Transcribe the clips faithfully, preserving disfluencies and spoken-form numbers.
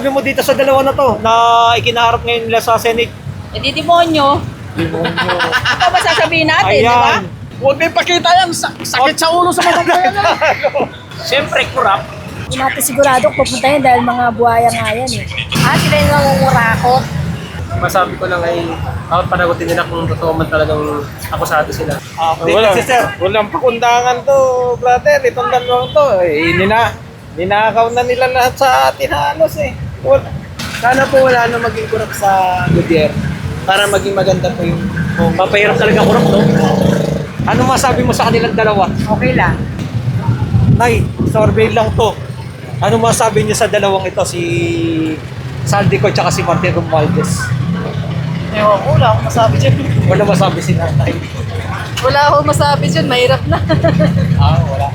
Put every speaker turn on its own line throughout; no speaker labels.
masabi mo dito sa dalawa na to na ikinaharap ngayon nila sa Senate?
Eh di demonyo.
Demonyo.
Ito ba sasabihin natin, di ba?
Ayan.
Huwag may pakita yan. Sa- sakit sa ulo sa mga bayan.
Siyempre, kurap.
Hindi natin sigurado kung pupunta yun dahil mga buhaya nga yan eh. Ah, sila yung nangungurakot.
Masabi ko lang ay dapat panagutin nila kung totoo man talagang akusado sila.
Update
Wala,
kasi, sir.
walang pakundangan to, brother. Itong dalawang to. Eh, nina, ninakaw na nila lahat sa atin halos eh. Wala.
Sana po wala na maging kurap sa gobyerno para maging maganda po yung
Oh, papahirap talaga kurap, no? Ano masabi mo sa kanilang dalawa?
Okay lang.
Nay, survey lang to. Ano masabi niyo sa dalawang ito, si Saldico at si Martin Romualdez?
Ewan ko, wala akong masabi dyan.
Wala masabi si nanay.
Wala akong masabi dyan, mahirap na.
Ah, wala.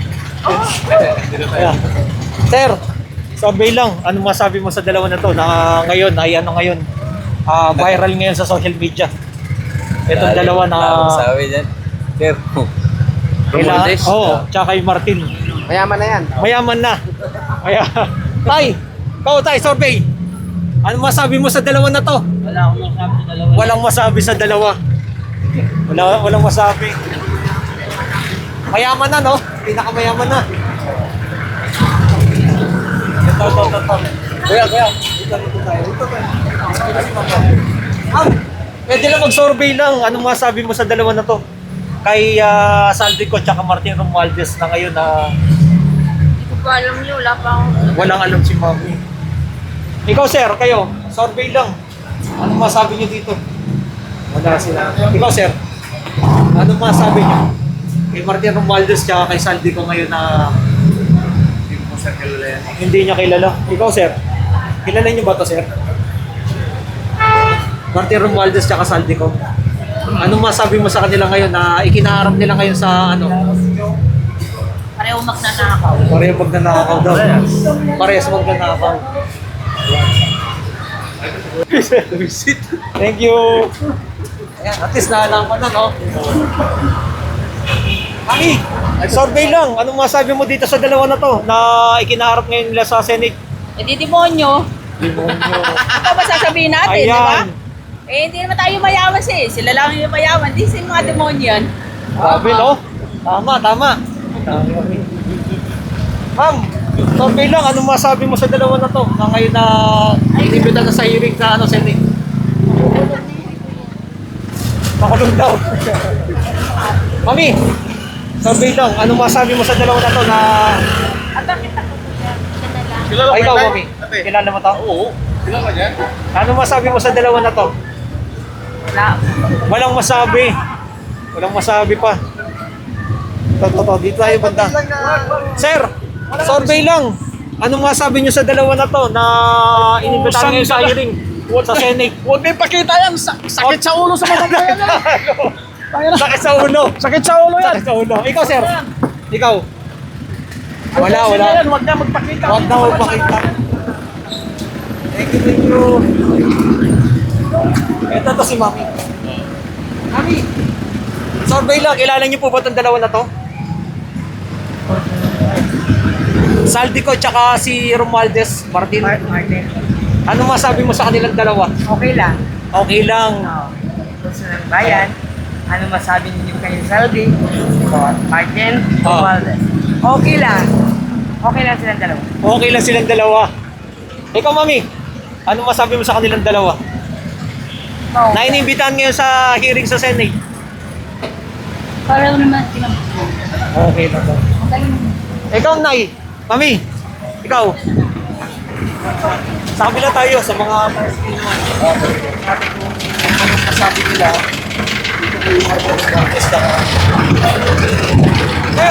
Ayan. Sir, survey lang. Ano masabi mo sa dalawa na to na ngayon, ay ano ngayon, ah, viral ngayon sa social media? Itong dalawa na
sabi dyan. Sir,
kailangan, oh, tsaka kay Martin.
mayaman na yan.
Mayaman na. Kaya, tay, ikaw tay, survey. Ano masabi mo sa dalawa na to?
Wala akong masabi sa dalawa.
Walang masabi sa dalawa. Wala, walang masabi. Mayaman na, no? Pinakamayaman na. Ito, ito, ito, ito. Kuya, kuya. Dito, dito tayo. Dito tayo. Ma'am, pwede lang mag-survey lang. Anong masabi mo sa dalawa na to? Kay uh, Saldico at Martin Romualdez na ngayon na
Hindi ko pa alam niyo, wala pa akong...
walang alam si Mami. Ikaw, sir, kayo, survey lang. Anong masabi niyo dito? Wala sila. Ikaw, sir, anong masabi niyo? Kay Martin Romualdez at kay Saldico ngayon na hindi niya kilala. Ikaw, sir, kilala niyo ba to, sir? Martin Romualdez at Saldico. Anong masabi mo sa kanila ngayon na ikinaharap nila ngayon sa ano?
Pareho magnanakaw.
Pareho magnanakaw daw. Parehas magnanakaw. Thank you. Ayan, at least nalaman na, no? Mami, survey lang. Anong masabi mo dito sa dalawa na to na ikinaharap ngayon nila sa Senate?
Eh di demonyo.
Demonyo.
Ito ba sasabihin natin, di ba?
Ayan.
Eh hindi naman tayo mayaman siya eh. Sila lang yung mayaman. Di sila mga demonyo yan.
Sabi, no? Tama, tama. Ma'am, survey lang. Anong masabi mo sa dalawa na to na ngayon na inibita na sa hearing sa ano, Senate? Makulong daw. Mami, survey lang. Anong masabi mo sa dalawa na to na...
Kilala
Ay, ikaw,
mo,
Mami.
Ate.
Kilala mo to?
Oo. Kilala niya?
Anong masabi mo sa dalawa na to?
Wala.
Walang masabi. Walang masabi pa. Ito, ito, ito. Dito tayo banda. Sir, survey lang. Anong masabi niyo sa dalawa na to na inibitahan ngayon sa hearing sa Senate?
Huwag may pakita yan. Sa- sakit sa ulo sa mga bayan.
Sakit sa ulo.
Sakit sa ulo yan.
Sakit sa ulo. Ikaw, sir. Ikaw. Wala, wala.
Yan, huwag na magpakita.
Huwag na magpakita. Thank you, thank you. Ito to si Mami. Mami, survey lang. Kilala niyo po ba itong dalawa na to? Saldico tsaka si Romualdez, Martin.
Martin.
Ano masabi mo sa kanilang dalawa?
Okay lang.
Okay lang.
Oh. Gusto ng bayan. Ano masabi ninyo kay Saldi? Martin.
Oh.
Romualdez. Okay lang. Okay lang silang dalawa.
Okay lang silang dalawa. Ikaw, Mami, ano masabi mo sa kanilang dalawa?
Oh.
Na iniimbitahan ngayon sa hearing sa Senate.
Pareho naman sila.
Okay na to.
Ang galing.
Ikaw, Nay. Mami, ikaw. Sa kabila tayo sa mga Palestino. Natin kung anong masabi nila. Dito po yung mga broadcast na. Sir,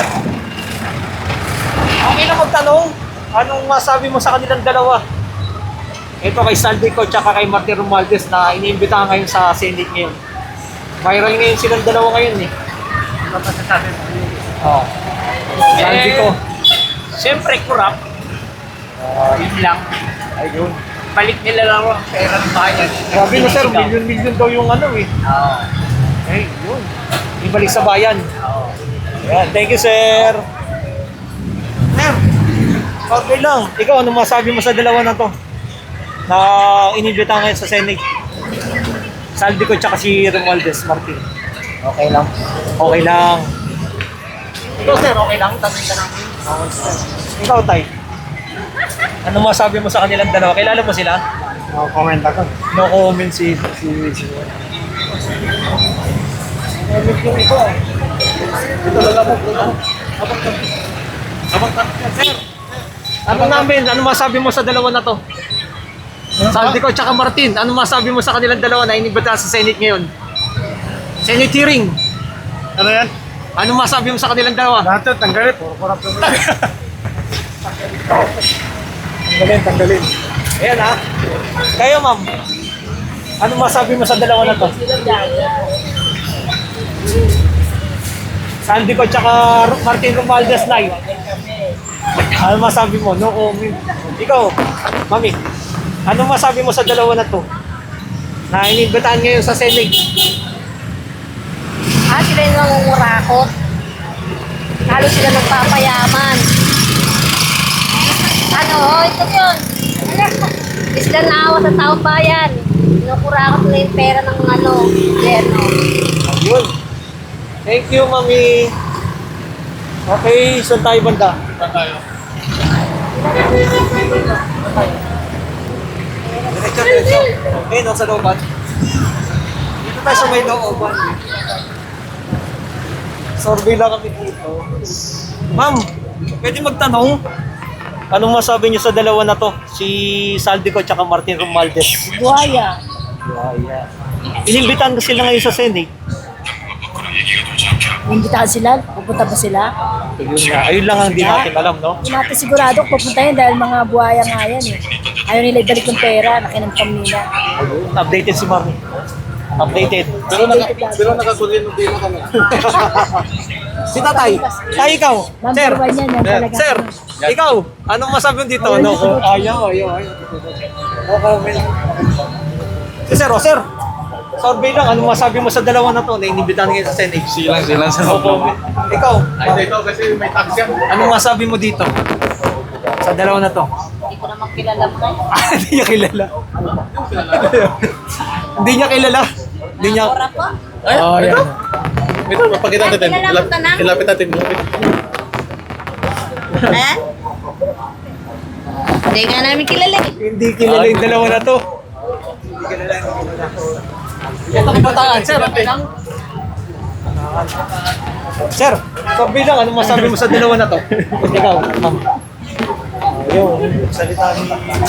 okay na magtanong. Anong masabi mo sa kanilang dalawa? Ito kay Saldico at kay Martin Romualdez na iniimbitahan ngayon sa Senate ngayon. Viral ngayon silang dalawa ngayon eh.
Ano pa sasabi mo?
Oh. Saldico.
Siyempre, kurap.
Uh,
Yun lang.
ayun.
Balik nila lang ang pera ng bayan.
Grabe no sir, milyon-milyon daw yung ano eh.
Oo.
Eh, yun. Ibalik sa bayan.
Oo.
Ayan, thank you sir. Sir, okay lang. Ikaw, ano masabi mo sa dalawa na to? na inibita ngayon sa Senate. Saldi ko tsaka si Romualdez Martin.
Okay lang.
Okay lang. Ikaw sir, okay lang? Tanong ka namin. Okay sir. Ikaw tay. Ano masabi mo sa kanilang dalawa? Kilala mo sila?
No comment ako.
No comment si si si.
Ito lang ako.
Sir, ano namin? Ano masabi mo sa dalawa na to? Saldi ko tsaka Martin. Ano masabi mo sa kanilang dalawa na inibita sa Senate ngayon? Senate hearing.
Ano yan?
Ano masabi mo sa kanilang dalawa?
Lahat yun, tanggalin. Puro korap yun. Tanggalin, tanggalin.
Ayan ha. Kayo ma'am. Ano masabi mo sa dalawa na to? Saldi ko tsaka Martin Romualdez Nay. Ano masabi mo? No comment. Ikaw, mami. Ano masabi mo sa dalawa na to? Na inibitahan ngayon sa Senate.
Ah, sila yung nangungurakot. Lalo sila nagpapayaman. Ano, oh, ito yun. Hindi sila naawa sa taong bayan. Kinukurakot nila yung pera ng ano, gobyerno.
Ayun. Thank you, mami. Okay, saan tayo banda?
Saan tayo?
Diretso, diretso. Okay, no, sa looban. Dito tayo sa may looban. Survey lang kami dito. Ma'am, pwede magtanong? Anong masabi niyo sa dalawa na to? Si Saldico at Martin Romualdez.
Buhaya.
Buhaya. Inimbitan ko sila ngayon sa Senate.
Imbitahan sila? Pupunta ba sila?
Ayun nga. Ayun lang ang di natin alam, no?
Hindi natin sigurado kung pupunta yun dahil mga buhaya nga yan eh. Ayaw nila ibalik yung pera, nakinamkam nila.
Updated si Mami. Updated.
Pero, naka, pero nakakunin mo din kami.
Si Tatay. Tay, ikaw. Sir.
Number one yan, yan talaga.
Sir, ikaw. Anong masabi mo dito? No, ayaw, ayaw, ayaw. No comment. Si Sir, oh, Sir. Survey lang. Anong masabi mo sa dalawa na to na inibitahan ngayon sa Senate?
Silang, silang sa
No comment. Ikaw.
Ay, ito kasi may tax yan.
Anong masabi mo dito? Sa dalawa na to?
Hindi ko naman kilala mo.
Ah, hindi niya kilala. Hindi niya kilala. Hindi niya...
Ay,
Oh,
ito?
yan.
Ito, mapakita natin.
Kilala mo
Ilap-
ka na?
Ilapit natin. Ilapit.
Ha? Hindi nga namin kilala eh.
Hindi kilala yung dalawa na to. Hindi kilala yung dalawa na to. Ito kabataan, sir. Okay lang? Sir, sabi lang, anong masabi mo sa dalawa na to? Ikaw, ma'am. Ayun, salita ni...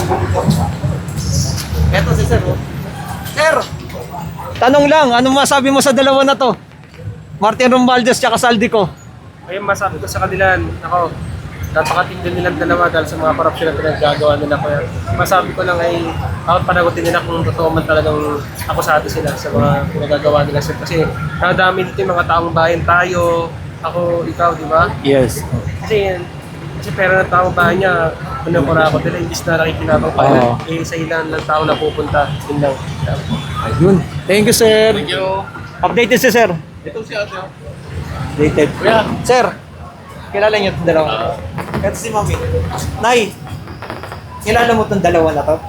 Eto si sir, oh. Sir! Tanong lang, anong masabi mo sa dalawa na to? Martin Romualdez tsaka Saldico.
Ayun, masabi ko sa kanila, ako, napakatindi nilang dalawa dahil sa mga korupsyon na pinaggagawa nila. Kaya masabi ko lang ay ako panagutin nila kung totoo man talagang akusado sila sa mga pinagagawa nila. Kasi nadami dito yung mga taong bayan tayo, ako, ikaw, di ba?
Yes.
Kasi, kasi pera ng taong bayan niya, pinukura ko nila, imbis na nakikinabang pa
Oo.
eh, sa ilan ng tao na pupunta. Yun lang.
Ayun. Thank you, sir.
Thank you.
Updated si sir.
Ito si ate. oh.
Updated.
Kuya.
Sir, kilala niyo itong dalawa? Ito si Mami. Nay, kilala mo itong dalawa na to?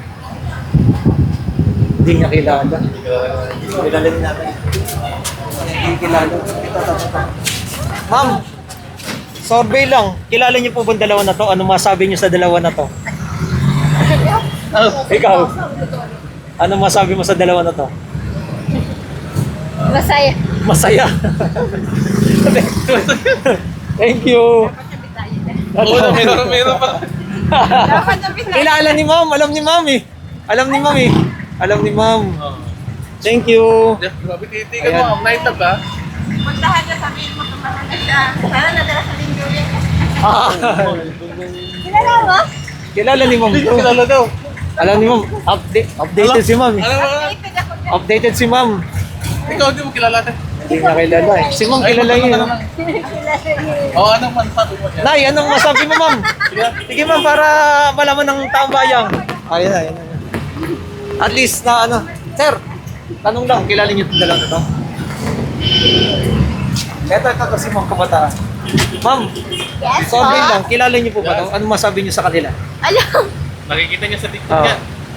Hindi niya kilala. Kilala din natin. Hindi kilala. Ito, ito, ito. Ma'am, survey lang. Kilala niyo po ba ang dalawa na to? Ano masabi niyo sa dalawa na to? Oh, ikaw. Ano masabi mo sa dalawa na to?
Masaya.
Masaya. Thank you.
Oo, na, meron, meron pa.
Kilala ni Ma'am, alam ni Ma'am eh. Alam ni Ma'am eh. Alam ni Ma'am. Thank you.
Grabe, titigan mo. Ang night na ba?
Puntahan niya, sabihin mo kung na siya. Sana nadala sa linggo yun.
Ah,
Kilala mo?
kilala ni Ma'am.
Hindi ko kilala daw.
Alam ni Ma'am, update, updated si Ma'am eh.
Alam mo,
Updated ako dyan.
Updated si Ma'am.
ikaw hindi mo kilala.
Hindi niya kilala eh. Si Ma'am kilala niya. eh.
Oo, anong manfaat mo niya?
Nay, anong masabi mo Ma'am? Sige Ma'am, para malaman ng taong bayan. Ayun na, ayun na. At least na ano. Sir, tanong lang, kilala niyo itong dalawa na to? Eto, ito kasi Ma'am kabataan. Ma'am,
Yes,
sorry
po.
lang, kilala niyo po ba ito? Anong masabi niyo sa kanila?
Alam.
Nakikita niya sa TikTok
Ah.
yan.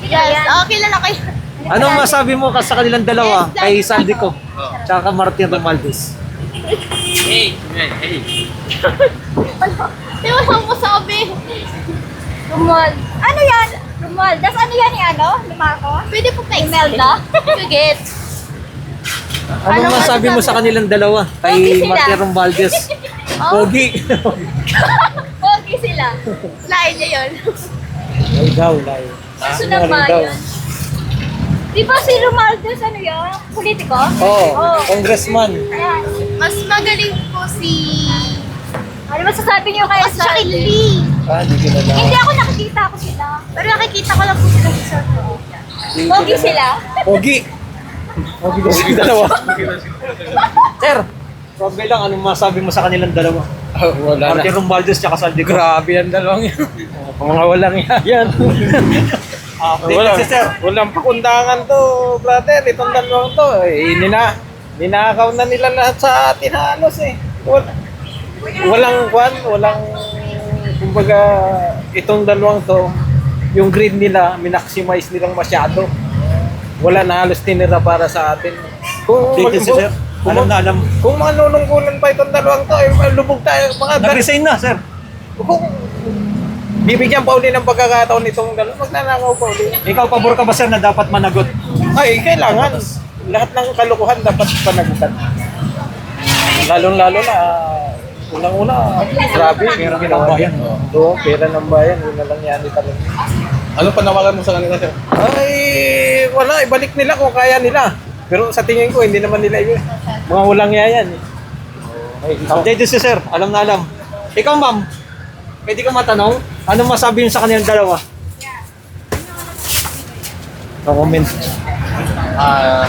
Yes, okay lang kayo.
Anong masabi mo ka sa kanilang dalawa? Kay Saldico, tsaka kay Martin Romualdez.
Hey! Hey! Hey!
Di ba lang mo sabi? Rumal. Ano yan? Rumal. Das ano yan ni ano? Ni Marco? Pwede po pa Imelda? Sige.
Anong masabi mo sa kanilang dalawa?
Pogi
Kay
sila.
Martin Romualdez.
Oh.
Pogi.
Pogi sila. Lain niya yun.
Ay daw, layo.
Gusto na ba
daw.
yun? Di ba si Romualdez ano yun? Politiko?
Oo, congressman.
Ayan.
Mas magaling po si...
Ano masasabi niyo kay
Mas siya kay Lee.
Ah, di ko na lang.
Hindi ako nakikita ko sila.
Pero nakikita ko lang po sila sa social media.
Pogi sila.
Pogi. Pogi daw sila dalawa. Sir, Robby lang, anong masabi mo sa kanilang dalawa?
Wala
Martin Romualdez tsaka Saldico.
Grabe yan dalawang yan. Mga walang yan.
Ah,
Wala,
si Sir.
walang pakundangan to, brother. Itong dalawang to, eh, nina, ninakaw na nila lahat sa atin halos eh. Wal, walang kwan, walang, kumbaga, itong dalawang to, yung grade nila, minaximize nilang masyado. Wala na halos tinira para sa atin. Kung,
Dito si Sir.
kung,
Alam na alam.
kung manunungkulan pa itong dalawang to, eh, lubog tayo. Mga
Nag-resign na, Sir.
kung bibigyan pa uli ng pagkakataon itong dalawa, magnanakaw pa uli.
Ikaw, pabor ka ba, Sir, na dapat managot?
Ay, kailangan. Lahat ng kalukuhan dapat panagutan. Lalong-lalo na, unang-una, grabe.
Pera ng
ginawa
bayan.
niya. Oo, pera ng bayan. Yun na lang yan talaga.
Ano panawagan mo sa kanila, sir?
Ay, wala. Ibalik nila kung kaya nila. Pero sa tingin ko, hindi naman nila yun. Mga walang yayan. Eh. Ay,
Update si Sir. Alam na alam. Ikaw, ma'am, pwede ka matanong? Anong masabi niyo sa kanilang dalawa? No comment.
Ah...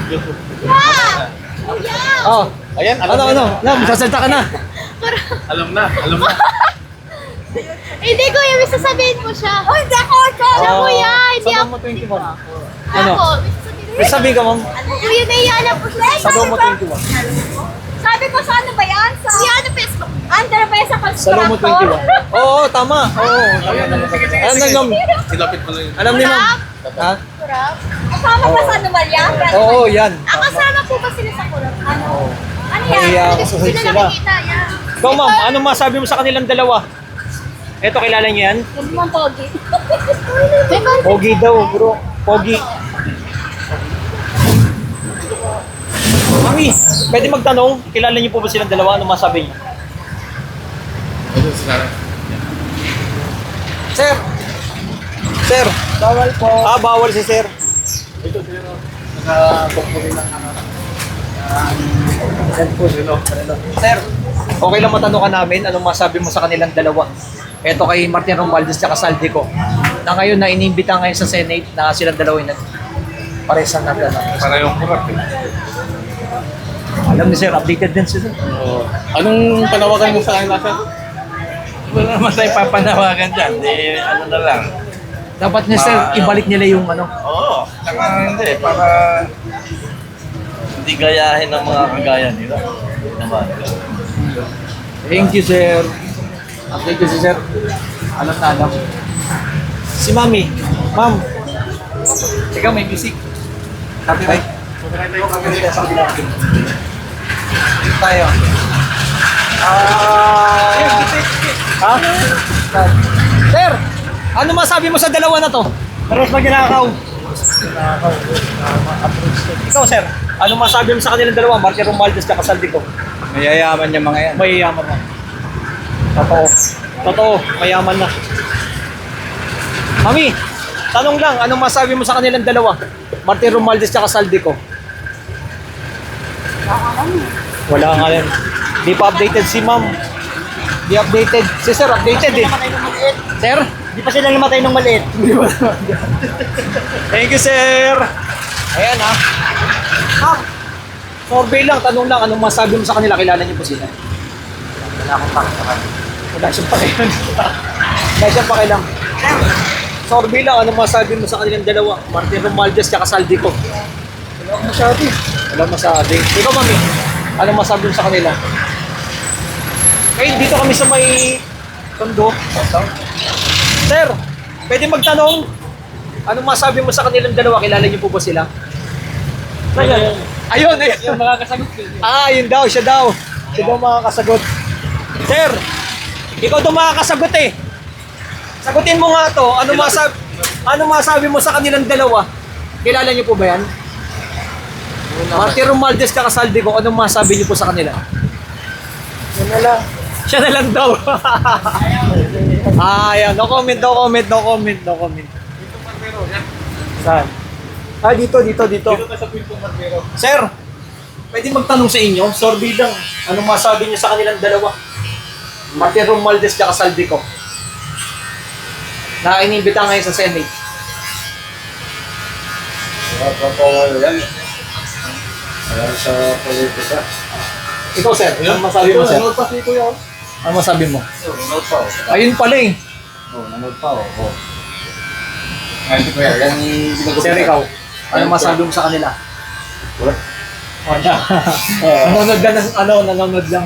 Oh,
Ayan, alam
ano,
na.
ano? Na, magsasalta ka na.
Alam na, alam na.
Hindi ko yung sasabihin mo siya. Oh, hindi ako. Siya
Oh,
kuya. Hindi
sa
ako.
mo twenty-one.
Ako.
Ano? May sabi ka, ma'am.
Kuya, naiyan po siya.
Sa mo twenty-one.
Sabi ko sa ano ba yan? Sa...
Si ano Facebook?
Under ba yan sa
Sa mo
constructor?
twenty-one. Oo, tama. Oo, tama naman. Alam na, ma'am.
Silapit mo lang yun.
Alam ni ma'am. Ha?
Kurap? Kasama ba sa anomalya?
Oo, yan.
Ah, kasama po ba sila sa kurap? Ano?
Ano yan?
Kaya
Kasi
susunod
sila
sila.
nakikita yan.
Ikaw, ma'am, anong masabi mo sa kanilang dalawa? Eto, kilala niyo yan?
Hindi mo pogi.
Pogi daw, bro. Pogi. Mami, pwede magtanong, kilala niyo po ba silang dalawa? Ano masabi niyo? Sir! Sir!
bawal po.
Ah, bawal si Sir. Sir, okay lang matanong ka namin, anong masabi mo sa kanilang dalawa? Eto kay Martin Romualdez at Saldico. Na ngayon na inimbita ngayon sa Senate na silang dalawa yung paresan na gano'n.
Para yung kurap eh.
Alam ni Sir, updated din si Sir.
Oh. Anong panawagan mo sa kanila, sir?
Wala naman tayo papanawagan dyan. Eh, ano na lang.
Dapat ni Sir,
Ma-
ibalik nila yung ano.
Oo. Saka hindi. Para hindi gayahin ng mga kagaya nila. Naman.
Thank you, Sir. Update you si Sir. Alam na alam. Si Mami. Ma'am. Ikaw may music. Happy right? Tayo. Ah. Ha? Sir, ano masabi mo sa dalawa na to? Paros na ginakaw. Ikaw, Sir, ano masabi mo sa kanilang dalawa? Martin Romualdez at Saldico.
Mayayaman niya mga yan.
Mayayaman na. Totoo. Totoo, mayaman na. Mami, tanong lang, anong masabi mo sa kanilang dalawa? Martin Romualdez at Saldico. Wala nga yan. Di pa updated si ma'am. Di updated. Si Sir, updated eh. Sir? Di pa sila namatay ng maliit. Thank you, Sir. Ayan ha. Ma'am, survey lang, tanong lang, anong masabi mo sa kanila? Kilala niyo po sila? Wala akong pakilang. Wala siyang pakilang. Wala siyang pakilang. Survey lang, anong masabi mo sa kanilang dalawa? Martin Romualdez at Saldico. Wala akong masabi. Wala masabi. Ikaw, Mami, anong masabi mo sa kanila? Ngayon, dito kami sa may tondo. Sir, pwede magtanong? anong masabi mo sa kanilang dalawa? Kilala niyo po ba sila? Ayun, ayun. ayun.
Yung makakasagot ko.
Ah, yun daw, siya daw. Siya daw makakasagot. Sir, ikaw daw makakasagot eh. Sagutin mo nga to. Ano masabi, ano masabi mo sa kanilang dalawa? Kilala niyo po ba yan? Marty Romualdez ka Saldi ko. Anong masabi niyo po sa kanila?
Yun na lang.
Siya na lang daw. ah, yan. No comment, no comment, no comment, no comment. Saan? Ah, dito, dito, dito.
Dito ka sa Quinto Barbero.
Sir, pwede magtanong sa inyo? Sorry lang. Anong masabi niyo sa kanilang dalawa? Marty Romualdez at Saldi ko. Na inibita ngayon sa Senate.
yan. Ayan sa politika.
Ikaw, sir. Ano masabi mo, sir?
Nanood pa si Kuya.
Ano masabi mo?
Nanood pa oh.
Ayun pala eh.
Oh, nanood pa oh. oh. Ay, si Kuya, yan yung
Sir, ikaw. Ano masabi mo sa kanila?
Wala.
Wala. Nanonood lang ng ano, nanonood lang.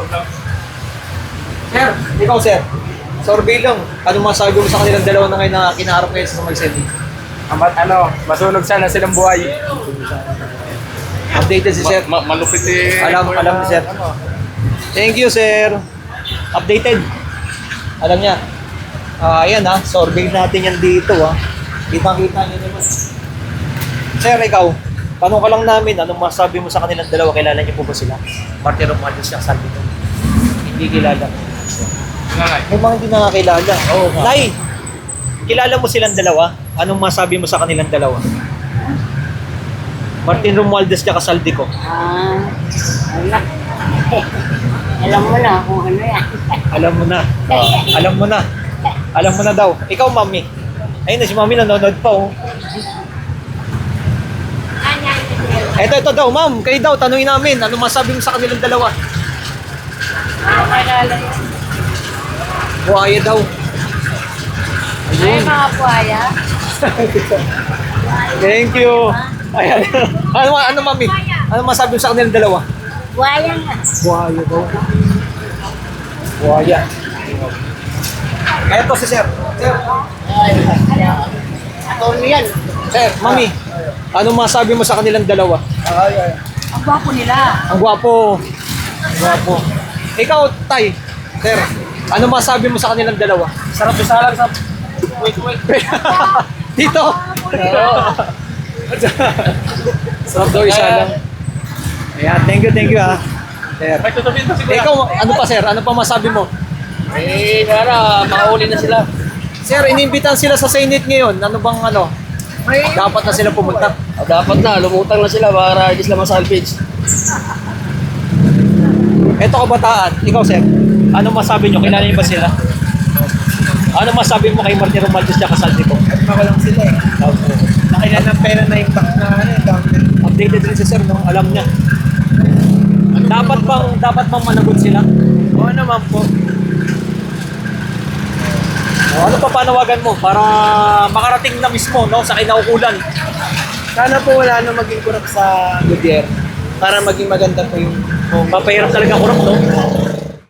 Sir, ikaw, sir. Survey lang. Ano masabi mo sa kanilang dalawa na ngayon na kinaharap ngayon sa Samal Senate?
Amat ano, masunog sana silang buhay.
Updated si sir.
Ma- malupit eh.
Alam, alam ni sir. Thank you, sir. Updated. Alam niya. Ah, ayan ha. Survey natin yan dito ha. Kitang-kita niyo naman. Sir, ikaw. Tanong ka lang namin, anong masabi mo sa kanilang dalawa? Kilala niyo po ba sila? Marty Romualdez at Saldi ko. Hindi kilala. May mga hindi nakakilala. Oh, Nay, kilala mo silang dalawa? Anong masabi mo sa kanilang dalawa? Martin Romualdez at Saldi ko.
Ah, wala. Alam mo na kung ano yan.
Alam mo na. Ah, alam mo na. Alam mo na daw. Ikaw, mami. Ayun na, si mami nanonood pa, oh. Eto, ito daw, ma'am. Kayo daw, tanungin namin. Ano masabi mo sa kanilang dalawa? Buhaya daw.
Ay, mga buhaya.
Thank you. Ayan. ano, ano, mami? Ano masabi mo sa kanilang dalawa?
Buhaya nga.
Buhaya daw. Buhaya. Kaya to si sir. Sir.
Ano yan?
Sir, mami. Ano masabi mo sa kanilang dalawa?
Ay, ay.
Ang gwapo nila.
Ang gwapo. Ang gwapo. Ikaw, Tay. Sir, ano masabi mo sa kanilang dalawa?
Sarap sa salang sa... Wait, wait.
Dito. Sarap daw isa lang. Ayan, thank you, thank you ha. Sir.
May tutubihin pa si Kuya.
Ikaw, ano pa sir? Ano pa masabi mo?
Eh, nara, makahuli na sila.
Sir, inimbitan sila sa Senate ngayon. Ano bang ano? Dapat na sila pumunta.
Ah, dapat na, lumutang na sila para hindi sila masalvage.
Ito kabataan. Ikaw sir, ano masabi nyo? Kilala niyo ba sila? Ano masabi mo kay Marty Romualdez at Saldi ko?
Ako lang sila eh. Nakailan ng pera na yung tax na ano eh. download.
Updated rin si sir nung alam niya. Dapat bang dapat bang managot sila?
Oo naman po.
O, ano pa panawagan mo para makarating na mismo no sa kinaukulan?
Sana po wala na maging kurap sa gobyerno. Para maging maganda po yung
O, mapahirap talaga kurap no.